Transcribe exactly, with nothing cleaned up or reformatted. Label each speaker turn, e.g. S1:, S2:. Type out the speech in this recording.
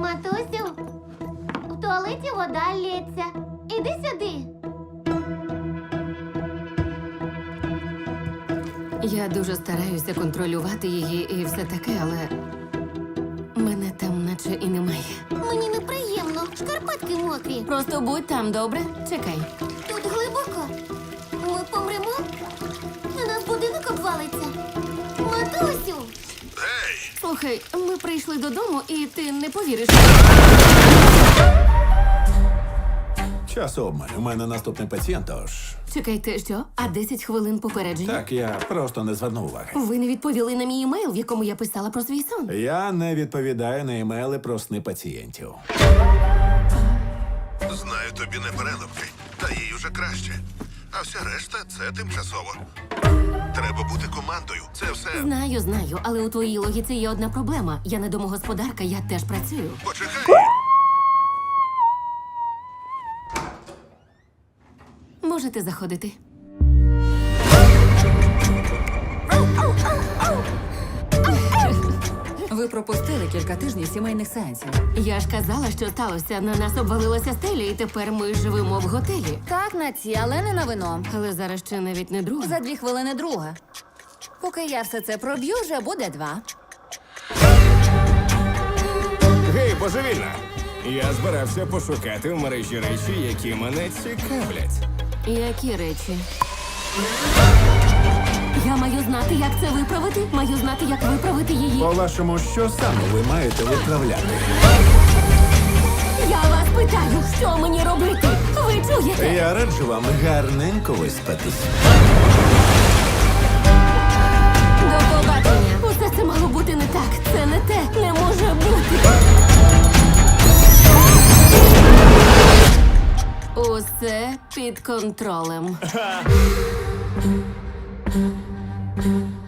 S1: Матусю, в туалеті вода лється. Іди сюди.
S2: Я дуже стараюся контролювати її і все таке, але мене там наче і немає.
S1: Мені неприємно. Шкарпетки мокрі.
S2: Просто будь там, добре? Чекай.
S1: Тут глибоко. Ми помремо? На нас будинок обвалиться. Матусю!
S2: Слухай, ми прийшли додому, і ти не повіриш.
S3: Час обмаль. У мене наступний пацієнт, тож...
S2: Чекайте, що? А десять хвилин попередження?
S3: Так, я просто не звернув уваги.
S2: Ви не відповіли на мій емейл, в якому я писала про свій сон.
S3: Я не відповідаю на емейли про сни пацієнтів.
S4: Знаю, тобі не переливки, та їй уже краще. А вся решта це тимчасово. Треба бути командою. Це все.
S2: Знаю, знаю, але у твоїй логіці є одна проблема. Я не домогосподарка, я теж працюю.
S4: Почекай.
S2: Можете заходити.
S5: Ви пропустили кілька тижнів сімейних сеансів.
S2: Я ж казала, що сталося. На нас обвалилася стеля, і тепер ми живемо в готелі.
S5: Так, на ці, але не на вино.
S2: Але зараз ще навіть не друга.
S5: За дві хвилини друга. Поки я все це проб'ю, вже буде два.
S6: Гей, божевільна! Я збирався пошукати в мережі речі, які мене цікавлять.
S2: Які речі? Я маю знати, як це виправити. Маю знати, як виправити її.
S3: По-вашому, що саме ви маєте виправляти?
S2: Я вас питаю, що мені робити? Ви чуєте?
S3: Я раджу вам гарненько виспатись.
S2: До побачення. Усе це мало бути не так. Це не те. Не може бути. Усе під контролем.